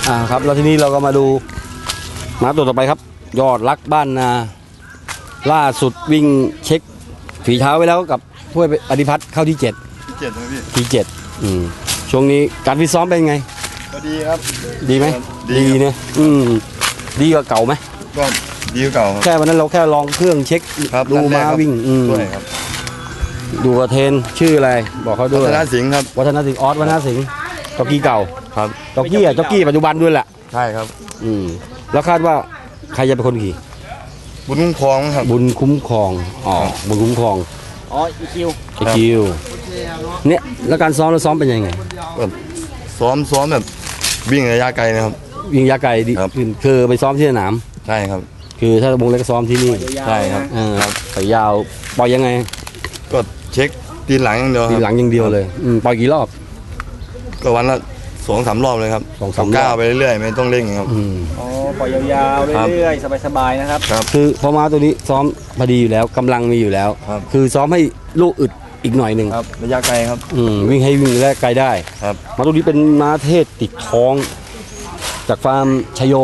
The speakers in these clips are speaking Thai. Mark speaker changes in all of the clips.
Speaker 1: ครับแล้วทีนี้เราก็มาดูม้าตัวต่อไปครับยอดรักบ้านนาล่าสุดวิ่งเช็คฝีเท้าไว้แล้วกับถ้วยอธิพัฒน์เข้าที่7
Speaker 2: นะพี่
Speaker 1: ที่7ช่วงนี้การฟิตซ้อมเป็นไง
Speaker 2: ก็ดีครับ
Speaker 1: ดีไหมดีเนี่ยดีกว่าเก่าไหม
Speaker 2: ก็ดีกว่าเก่า
Speaker 1: แค่วันนั้นเราแค่ลองเครื่องเช็คดูม้าวิ่ง
Speaker 2: ด้วยครับ
Speaker 1: ดูกระเทนชื่ออะไรบอกเขาด้วย
Speaker 2: วัฒนสิงห์ครับ
Speaker 1: วัฒนสิงห์ออสวัฒนสิงห์จ็อกกี้เก่า
Speaker 2: ครับ
Speaker 1: จ็อกกี้ปัจจุบันด้วยแหละ
Speaker 2: ใช่ครับ
Speaker 1: แล้วคาดว่าใครจะเป็นคนขี่
Speaker 2: บุญคุ้มครองครับ
Speaker 1: บุญคุ้มครองบุญคุ้มครอง
Speaker 3: อีคิว
Speaker 1: เนี่ยแล้วการซ้อมเราซ้อมเป็นยังไง
Speaker 2: ซ้อมแบบวิ่งระยะไกลนะครับ
Speaker 1: วิ่งระยะไกลดีคือไปซ้อมที่สนาม
Speaker 2: ใช่ครับ
Speaker 1: คือถ้าวงเล็กซ้อมที่นี่
Speaker 2: ใช่ครับ
Speaker 1: ไปยาวปล่อยยังไง
Speaker 2: ก็เช็คตีหลังอย่างเดียว
Speaker 1: ตีหลังอย่างเดียวเลยปล่อยกี่รอบ
Speaker 2: ก็วันละ2-3 รอบเลยครับ2-3 ก้าวไปเรื่อยๆไม่ต้องเร่งครับ
Speaker 3: ปล่อยยาวๆเรื่อยๆสบายๆนะครับ
Speaker 1: คือพอมาตัวนี้ซ้อมพอดีอยู่แล้วกำลังมีอยู่แล้วคือซ้อมให้ลูกอึดอีกหน่อยหนึ่ง
Speaker 2: ระยะไกลครับ
Speaker 1: วิ่งให้วิ่งและไกลได้มาตัวนี้เป็นม้าเทศติดท้องจากฟาร์มชโย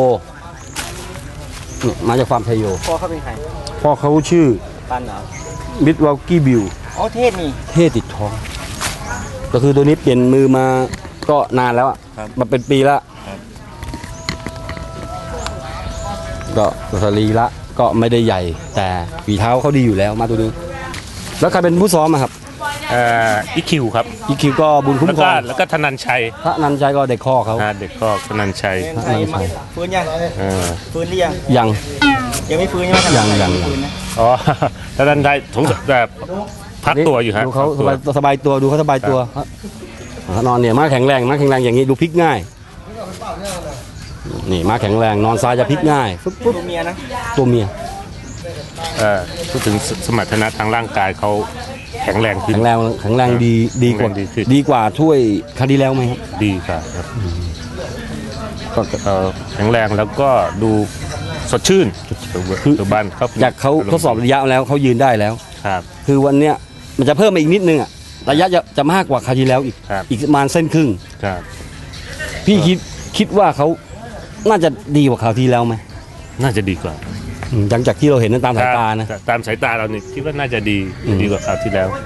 Speaker 1: มาจากฟาร์มชโย
Speaker 3: พ่อเขาเป็นใคร
Speaker 1: พ่อเขาชื่อ
Speaker 3: ปันเหรอ
Speaker 1: มิดวอลกี้บิว
Speaker 3: เทศนี่
Speaker 1: เทศติดท้องก็คือตัวนี้เปลี่ยนมือมาก็นานแล้วมาเป็นปีแล้วก็สรีละก็ไม่ได้ใหญ่แต่ฝีเท้าเขาดีอยู่แล้วมาตัวนี้แล้วใครเป็นผู้ซ้อมครับ
Speaker 4: อีคิวครับ
Speaker 1: อีคิวก็บุญคุ้มครอง
Speaker 4: แล้วก็ธนันชัย
Speaker 1: ก็เด็กข้อเขา
Speaker 4: เด็กข้อธนันชัย
Speaker 3: ฟื้นยังฟื้นหรือยังยังไม่ฟื้นใช่ไหม
Speaker 1: ยัง
Speaker 4: ธนันชัยแบบพักตัวอยู่ฮะ
Speaker 1: ดูเขาสบายตัวดูเขาสบายตัวนอนเนี่ยม้าแข็งแรงอย่างนี้ดูพลิกง่ายนี่ม้าแข็งแรงนอนซ้ายจะพลิกง่าย
Speaker 3: ตัวเมียนะ
Speaker 1: ตัวเมีย
Speaker 4: พูดถึงสมรรถนะทางร่างกายเขาแข็งแรง
Speaker 1: ดีกว่าถ้วยคดีแล้วไหมครับ
Speaker 4: ดีครับก็แข็งแรงแล้วก็ดูสดชื่น
Speaker 1: คือบ้านเขาจากเขาทดสอบระยะแล้วเขายืนได้แล้ว
Speaker 4: ครับ
Speaker 1: คือวันเนี้ยมันจะเพิ่มมาอีกนิดนึงระยะจะมากกว่าคราวที่แล้วอีกประมาณเส้นครึ่งพี่คิดว่าเขาน่าจะดีกว่าคราวที่แล้วไหม
Speaker 4: น่าจะดีกว่า
Speaker 1: หลังจากที่เราเห็นนั้นตามสายตานะ
Speaker 4: ตามสายตาเราเนี่ยคิดว่าน่าจะดีกว่าคราวที่แล้ว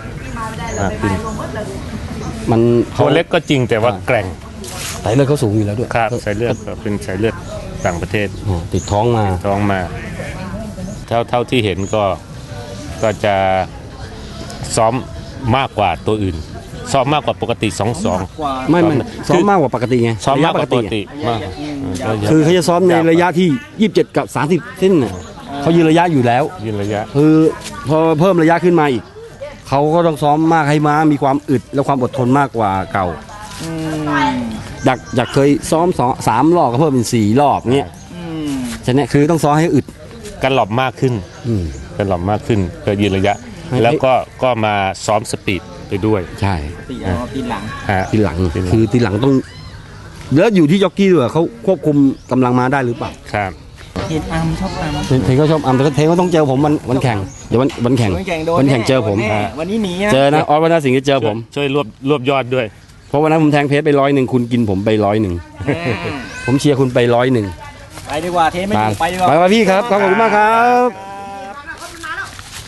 Speaker 1: มัน
Speaker 4: ตัวเล็กก็จริงแต่ว่าแกร่ง
Speaker 1: สายเลือดเขาสูงอยู่แล้วด้วย
Speaker 4: ครับสายเลือดเป็นสายเลือดต่างประเทศ
Speaker 1: ติดท้องมา
Speaker 4: เท่าที่เห็นก็จะซ้อมมากกว่าตัวอื่นซ้อมมากกว่าปกติ2-2
Speaker 1: ไม่ซ้อมมากกว่าปกติไง
Speaker 4: ซ้อมมากกว่าปกติมาก
Speaker 1: คือเขาจะซ้อมในระยะที่27กับ30เส้นเขายืนระยะอยู่แล้วคือพอเพิ่มระยะขึ้นมาอีกเขาก็ต้องซ้อมมากให้ม้ามีความอึดและความอดทนมากกว่าเก่าอยากเคยซ้อม3 รอบก็เพิ่มเป็น4 รอบเงี้ยฉะนั้นคือต้องซ้อมให้อึด
Speaker 4: กันหลอบมากขึ้นเพื่อยืนระยะแล้วก็มาซ้อมสปีดไปด้วย
Speaker 1: ใช่
Speaker 3: ตีหลัง
Speaker 1: คือตีหลังต้องแล้วอยู่ที่จ็อกกี้ด้วยเขาควบคุมกำลังม้าได้หรือเปล่า
Speaker 4: ครับ
Speaker 3: เห็นชอบ
Speaker 1: เทนเขาชอบแต่เทนเขาต้องเจอผมวันแข่งเดี๋ยววันแข่งเจอผม
Speaker 3: วันนี้หนี
Speaker 1: เจอนะออสวันน่าสิงห์จะเจอผม
Speaker 4: ช่วยรวบยอดด้วย
Speaker 1: เพราะวันนั้นผมแทงเพชรไป100คุณกินผมไป100ผมเชียร์คุณไป100
Speaker 3: ไปดีกว่าเทนไม่ถูกไปดีกว่า
Speaker 1: ไปพี่ครับขอบคุณมากครับ